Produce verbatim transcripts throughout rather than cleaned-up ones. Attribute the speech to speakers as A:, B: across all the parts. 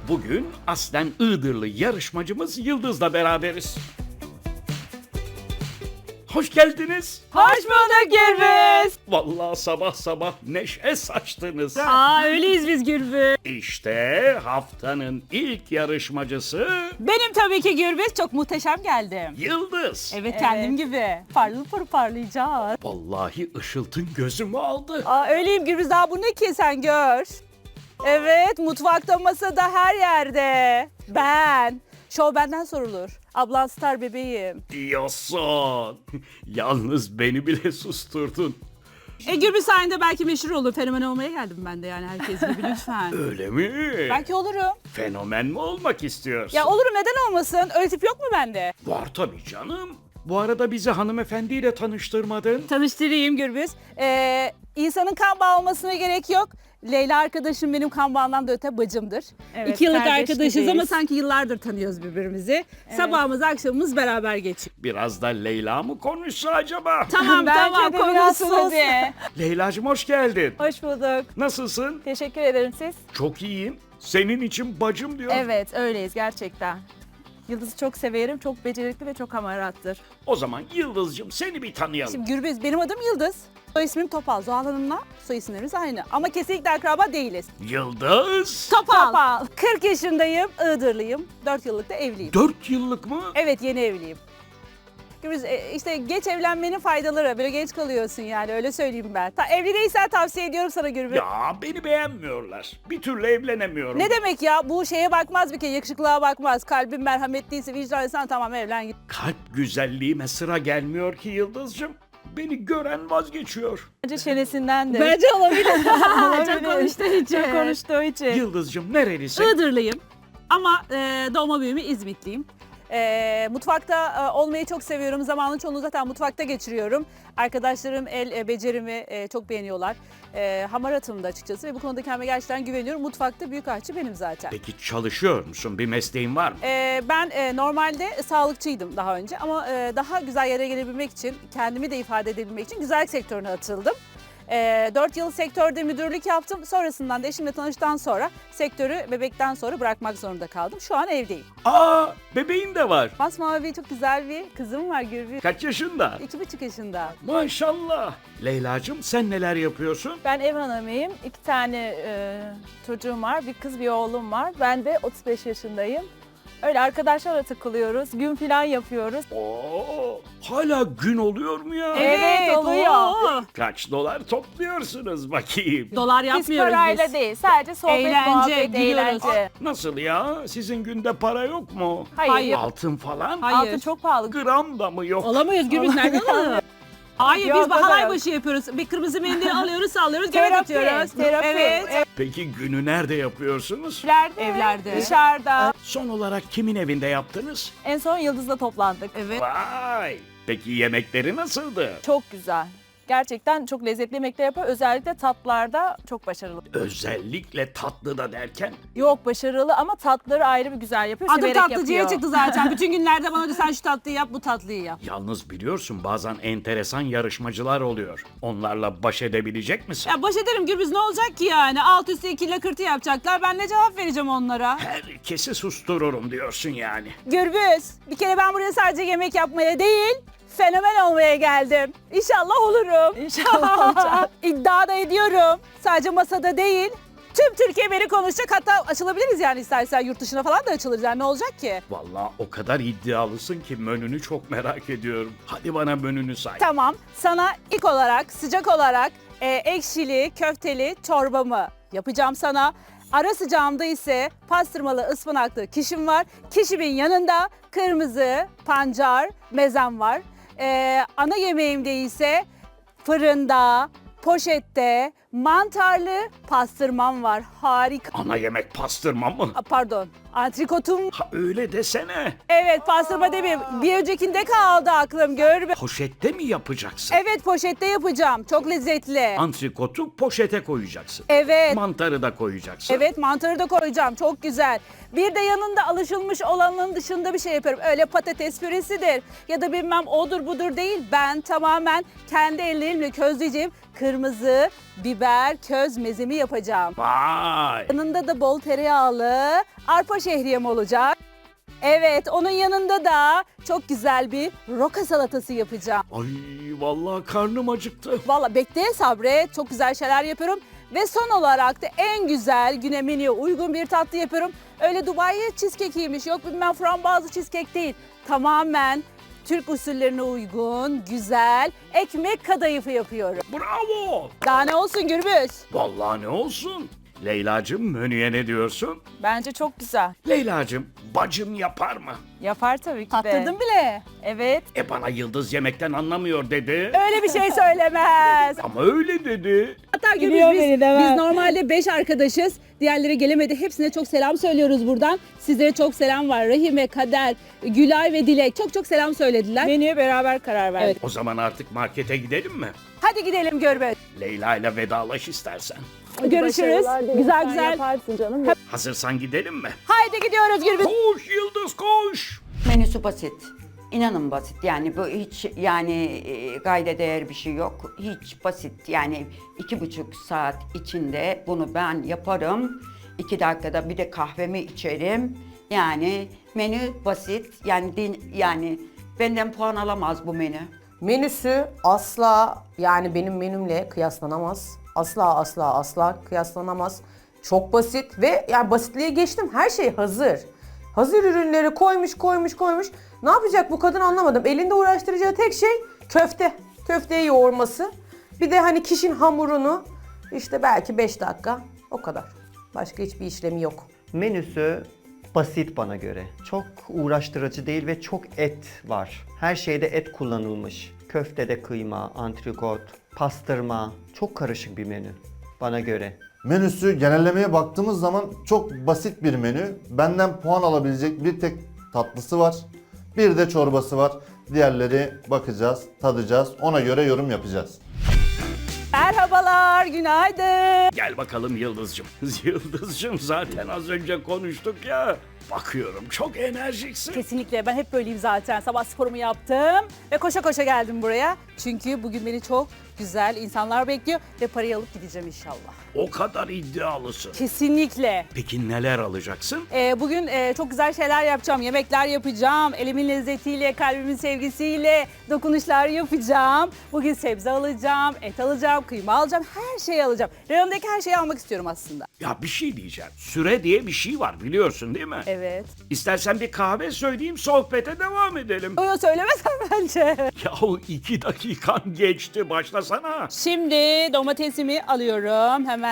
A: Bugün aslen Iğdırlı yarışmacımız Yıldız'la beraberiz. Hoş geldiniz.
B: Hoş bulduk Gürbüz.
A: Vallahi sabah sabah neşe saçtınız.
B: Aa öyleyiz biz Gürbüz.
A: İşte haftanın ilk yarışmacısı
B: Benim tabii ki Gürbüz, çok muhteşem geldim.
A: Yıldız.
B: Evet, kendim gibi. Parlı pır parlayacağız.
A: Vallahi ışıltın gözümü aldı.
B: Aa öyleyim Gürbüz, daha bu ne ki, sen gör. Evet, mutfakta, masada, her yerde. Ben. Şov benden sorulur. Ablan star bebeğim.
A: Diyorsun. Yalnız beni bile susturdun.
B: E Gürbüz sayende belki meşhur olur. Fenomen olmaya geldim ben de, yani herkes gibi, lütfen.
A: Öyle mi?
B: Belki olurum.
A: Fenomen mi olmak istiyorsun?
B: Ya olurum, neden olmasın? Öyle tip yok mu bende?
A: Var tabii canım. Bu arada bizi hanımefendiyle tanıştırmadın.
B: Tanıştırayım Gürbüz. Ee, insanın kan bağı olmasına gerek yok. Leyla arkadaşım benim kan bağından da öte bacımdır.
C: Evet,
B: İki yıllık
C: kardeş
B: arkadaşız
C: gibiyiz.
B: ama sanki yıllardır tanıyoruz birbirimizi. Sabahımız akşamımız beraber geçiyor.
A: Biraz da Leyla mı konuşsa acaba?
B: Tamam
C: Bence
B: tamam,
C: de biraz
B: konuşsun
C: sus.
B: hadi.
A: Leyla'cığım hoş geldin.
C: Hoş bulduk.
A: Nasılsın?
C: Teşekkür ederim siz.
A: Çok iyiyim. Senin için bacım diyor.
C: Evet öyleyiz gerçekten. Yıldız'ı çok severim. Çok becerikli ve çok hamarattır.
A: O zaman Yıldız'cığım seni bir tanıyalım.
B: Şimdi Gürbüz, benim adım Yıldız. Soy ismim Topal. Zuhal Hanım'la soy isimlerimiz aynı. Ama kesinlikle akraba değiliz.
A: Yıldız.
B: Topal.
C: Topal.
B: kırk yaşındayım, Iğdırlıyım. dört yıllık da evliyim.
A: Dört yıllık mı?
B: Evet, yeni evliyim. Gürbüz, e, işte geç evlenmenin faydaları. Böyle genç kalıyorsun yani, öyle söyleyeyim ben. Ta, evli değilsen tavsiye ediyorum sana Gürbüz.
A: Ya beni beğenmiyorlar. Bir türlü evlenemiyorum.
B: Ne demek ya? Bu şeye bakmaz bir kere, yakışıklığa bakmaz. Kalbin merhametliyse, vicdanlıysan tamam, evlen git.
A: Kalp güzelliğime sıra gelmiyor ki Yıldız'cığım. Beni gören vazgeçiyor.
C: Bence çenesindendir.
B: Bence olabilir.
C: Olabilir.
B: Çok konuştuğu için.
C: Çok konuştuğu için.
A: Yıldız'cığım nerelisin?
B: Iğdırlıyım ama e, doğma büyüme İzmitliyim. E, mutfakta e, olmayı çok seviyorum. Zamanın çoğunu zaten mutfakta geçiriyorum. Arkadaşlarım el e, becerimi e, çok beğeniyorlar. E, hamaratım da açıkçası ve bu konuda kendime gerçekten güveniyorum. Mutfakta büyük aşçı benim zaten.
A: Peki çalışıyor musun? Bir mesleğin var mı?
B: E, ben e, normalde sağlıkçıydım daha önce ama e, daha güzel yere gelebilmek için, kendimi de ifade edebilmek için güzellik sektörüne atıldım. E, dört yıl sektörde müdürlük yaptım. Sonrasından da eşimle tanıştıktan sonra sektörü bebekten sonra bırakmak zorunda kaldım. Şu an evdeyim.
A: Aa, bebeğin de var.
B: Masmavi, çok güzel bir kızım var Gürbüz.
A: Kaç yaşında?
B: İki buçuk yaşında.
A: Maşallah. Leyla'cığım sen neler yapıyorsun?
C: Ben ev hanımıyım. İki tane e, çocuğum var. Bir kız bir oğlum var. Ben de otuz beş yaşındayım. Öyle arkadaşlarla takılıyoruz. Gün falan yapıyoruz.
A: Oo, hala gün oluyor mu ya?
C: Evet, oluyor.
B: oo.
A: Kaç dolar topluyorsunuz bakayım?
B: Dolar
C: Biz
B: yapmıyoruz
C: parayla
B: biz.
C: değil. Sadece sohbet,
B: Eğlence,
C: muhabbet,
B: gülüyoruz.
C: eğlence.
A: Nasıl ya? Sizin günde para yok mu?
C: Hayır.
B: Hayır.
A: Altın falan?
B: Hayır.
C: Altın çok pahalı.
A: Gram da mı yok?
B: Olamayız Gürbüz, nereden alalım? Hayır,
C: Yok,
B: biz
C: o da
B: halay
C: yok.
B: başı yapıyoruz. Bir kırmızı mendil alıyoruz, sallıyoruz, göbek
C: Terapi,
B: atıyoruz.
C: terapi.
B: Evet.
A: Peki günü nerede yapıyorsunuz?
C: Evlerde,
B: Evlerde.
C: dışarıda.
A: Son olarak kimin evinde yaptınız?
C: En son Yıldız'la toplandık.
B: Evet.
A: Vay! Peki yemekleri nasıldı?
C: Çok güzel. Gerçekten çok lezzetli yemekler yapıyor. Özellikle tatlılarda çok başarılı.
A: Özellikle tatlı da derken
C: Yok başarılı ama tatlıları ayrı bir güzel yapıyor.
B: Adım
C: severek
B: tatlıcıya
C: yapıyor.
B: çıktı zaten. Bütün günlerde bana diyor, sen şu tatlıyı yap, bu tatlıyı yap.
A: yalnız biliyorsun bazen enteresan yarışmacılar oluyor. Onlarla baş edebilecek misin?
B: Ya baş ederim Gürbüz, ne olacak ki yani? Alt üstü iki lakırtı yapacaklar. Ben ne cevap vereceğim onlara?
A: Herkesi sustururum diyorsun yani.
B: Gürbüz, bir kere ben buraya sadece yemek yapmaya değil, fenomen olmaya geldim. İnşallah olurum.
C: İnşallah olacak.
B: İddia da ediyorum. Sadece masada değil, tüm Türkiye beni konuşacak. Hatta açılabiliriz yani, istersen yurt dışına falan da açılırız. Yani ne olacak ki?
A: Vallahi o kadar iddialısın ki menünü çok merak ediyorum. Hadi bana menünü say.
B: Tamam, sana ilk olarak, sıcak olarak e, ekşili, köfteli çorbamı yapacağım sana. Ara sıcağımda ise pastırmalı, ıspanaklı kişim var. Kişimin yanında kırmızı pancar mezem var. E, ana yemeğimde ise fırında, poşette mantarlı pastırmam var. Harika.
A: Ana yemek pastırma mı?
B: A, Pardon, antrikotum.
A: Ha öyle desene.
B: Evet, pastırma demeyeyim. Bir öncekinde kaldı aklım, gör.
A: Poşette mi yapacaksın?
B: Evet, poşette yapacağım. Çok lezzetli.
A: Antrikotu poşete koyacaksın.
B: Evet.
A: Mantarı da koyacaksın.
B: Evet, mantarı da koyacağım. Çok güzel. Bir de yanında alışılmış olanın dışında bir şey yapıyorum. Öyle patates püresidir ya da bilmem odur budur değil. Ben tamamen kendi ellerimle közleyeceğim kırmızı biber biber köz mezemi yapacağım.
A: Vay!
B: Yanında da bol tereyağlı arpa şehriyem olacak. Evet, onun yanında da çok güzel bir roka salatası yapacağım.
A: Ay vallahi karnım acıktı.
B: Valla bekle, sabret, çok güzel şeyler yapıyorum. Ve son olarak da en güzel güne menüye uygun bir tatlı yapıyorum. Öyle Dubai cheesecake'iymiş, yok bilmem frambuazlı cheesecake değil. Tamamen Türk usullerine uygun, güzel ekmek kadayıfı yapıyorum.
A: Bravo!
B: Daha ne olsun Gürbüz?
A: Vallahi ne olsun? Leyla'cığım menüye ne diyorsun?
C: Bence çok güzel.
A: Leyla'cığım bacım yapar mı?
C: Yapar tabii ki de.
B: Tattırdın bile.
C: Evet.
A: E bana Yıldız yemekten anlamıyor dedi.
B: Öyle bir şey söylemez.
A: Ama öyle dedi.
B: Hatta Gürbüz
C: Biliyor
B: biz,
C: beni, değil mi?
B: biz normalde beş arkadaşız. Diğerleri gelemedi. Hepsine çok selam söylüyoruz buradan. Sizlere çok selam var. Rahime, Kader, Gülay ve Dilek çok çok selam söylediler.
C: Menüye beraber karar verdik.
B: Evet.
A: O zaman artık markete gidelim mi?
B: Hadi gidelim Gürbüz.
A: Leyla ile vedalaş istersen.
B: Görüşürüz. Güzel
C: Sen
B: güzel.
C: yaparsın canım.
A: Hazırsan gidelim mi?
B: Haydi gidiyoruz Gürbüz.
A: Koş Yıldız koş!
D: Menüsü basit. İnanın basit. Yani bu hiç yani e, gayde değer bir şey yok. Hiç basit. Yani iki buçuk saat içinde bunu ben yaparım. İki dakikada bir de kahvemi içerim. Yani menü basit. Yani din, yani benden puan alamaz bu menü.
E: Menüsü asla yani benim menümle kıyaslanamaz. Asla asla asla kıyaslanamaz. Çok basit ve yani basitliğe geçtim. Her şey hazır. Hazır ürünleri koymuş koymuş koymuş. Ne yapacak bu kadın anlamadım. Elinde uğraştıracağı tek şey köfte. Köfteyi yoğurması. Bir de hani kişinin hamurunu işte belki beş dakika o kadar. Başka hiçbir işlemi yok.
F: Menüsü basit bana göre. Çok uğraştırıcı değil ve çok et var. Her şeyde et kullanılmış. Köftede kıyma, antrikot, pastırma. Çok karışık bir menü bana göre.
G: Menüsü genellemeye baktığımız zaman çok basit bir menü. Benden puan alabilecek bir tek tatlısı var. Bir de çorbası var. Diğerleri bakacağız, tadacağız. Ona göre yorum yapacağız.
B: Merhabalar, günaydın.
A: Gel bakalım Yıldız'cığım. Yıldız'cığım zaten az önce konuştuk ya. Bakıyorum çok enerjiksin.
B: Kesinlikle ben hep böyleyim zaten. Sabah sporumu yaptım ve koşa koşa geldim buraya. Çünkü bugün beni çok güzel insanlar bekliyor ve parayı alıp gideceğim inşallah.
A: O kadar iddialısın.
B: Kesinlikle.
A: Peki neler alacaksın?
B: Ee, bugün e, çok güzel şeyler yapacağım. Yemekler yapacağım. Elimin lezzetiyle, kalbimin sevgisiyle dokunuşlar yapacağım. Bugün sebze alacağım, et alacağım, kıyma alacağım. Her şeyi alacağım. Reyondaki her şeyi almak istiyorum aslında.
A: Ya bir şey diyeceğim. Süre diye bir şey var biliyorsun değil mi?
B: Evet.
A: İstersen bir kahve söyleyeyim sohbete devam edelim.
B: Onu söylemesem bence.
A: Yahu iki dakikan geçti başlasana.
B: Şimdi domatesimi alıyorum hemen.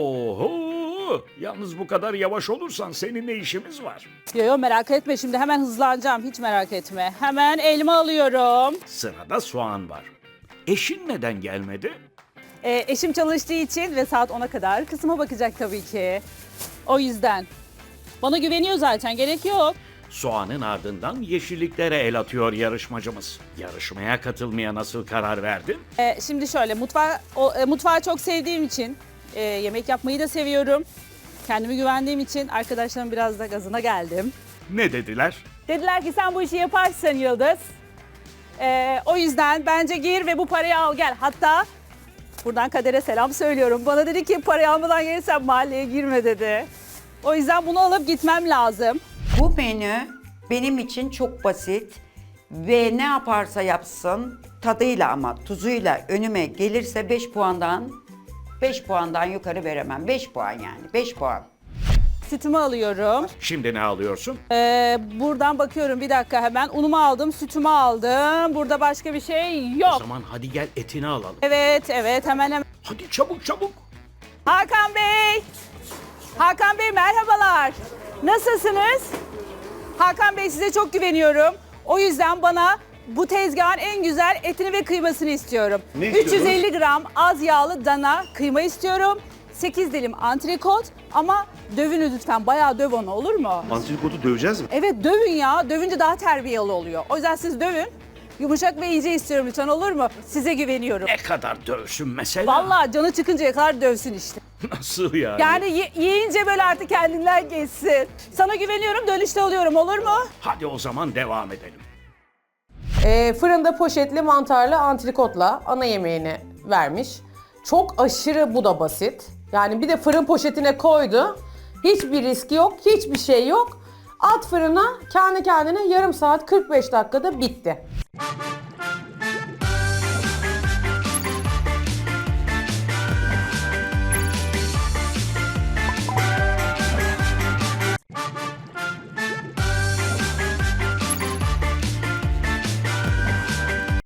A: Oho! Yalnız bu kadar yavaş olursan seninle işimiz var.
B: Yo yo merak etme şimdi hemen hızlanacağım. Hiç merak etme. Hemen elma alıyorum.
A: Sırada soğan var. Eşin neden gelmedi?
B: Ee, eşim çalıştığı için ve saat ona kadar kızıma bakacak tabii ki. O yüzden. Bana güveniyor zaten, gerek yok.
A: Soğanın ardından yeşilliklere el atıyor yarışmacımız. Yarışmaya katılmaya nasıl karar verdin?
B: Ee, şimdi şöyle mutfağı, o, e, mutfağı çok sevdiğim için e, yemek yapmayı da seviyorum. Kendime güvendiğim için arkadaşlarım biraz da gazına geldim.
A: Ne dediler?
B: Dediler ki sen bu işi yaparsın Yıldız. Ee, o yüzden bence gir ve bu parayı al gel. Hatta buradan Kader'e selam söylüyorum. Bana dedi ki parayı almadan gelirsen mahalleye girme dedi. O yüzden bunu alıp gitmem lazım.
D: Bu menü benim için çok basit ve ne yaparsa yapsın tadıyla ama tuzuyla önüme gelirse beş puandan beş puandan yukarı veremem. beş puan yani beş puan.
B: Sütümü alıyorum.
A: Şimdi ne alıyorsun?
B: Ee, buradan bakıyorum bir dakika hemen. Unumu aldım, sütümü aldım. Burada başka bir şey
A: O
B: yok.
A: zaman hadi gel etini alalım.
B: Evet, evet hemen hemen.
A: Hadi çabuk çabuk.
B: Hakan Bey! Hakan Bey merhabalar. Nasılsınız? Hakan Bey size çok güveniyorum. O yüzden bana bu tezgahın en güzel etini ve kıymasını istiyorum. üç yüz elli gram az yağlı dana kıyma istiyorum. sekiz dilim antrikot ama dövünü lütfen. Bayağı döv onu, olur mu?
H: Antrikotu döveceğiz mi?
B: Evet dövün ya. Dövünce daha terbiyeli oluyor. O yüzden siz dövün. Yumuşak ve ince istiyorum lütfen, olur mu? Size güveniyorum.
A: Ne kadar dövsün mesela?
B: Vallahi canı çıkıncaya kadar dövsün işte.
A: Nasıl yani?
B: Yani ye- yiyince böyle artık kendinden geçsin. Sana güveniyorum, dönüşte alıyorum, olur mu?
A: Hadi o zaman devam edelim.
E: Ee, fırında poşetli mantarlı antrikotla ana yemeğini vermiş. Çok aşırı bu da basit. Yani bir de fırın poşetine koydu. Hiçbir riski yok, hiçbir şey yok. At fırına kendi kendine yarım saat kırk beş dakikada bitti.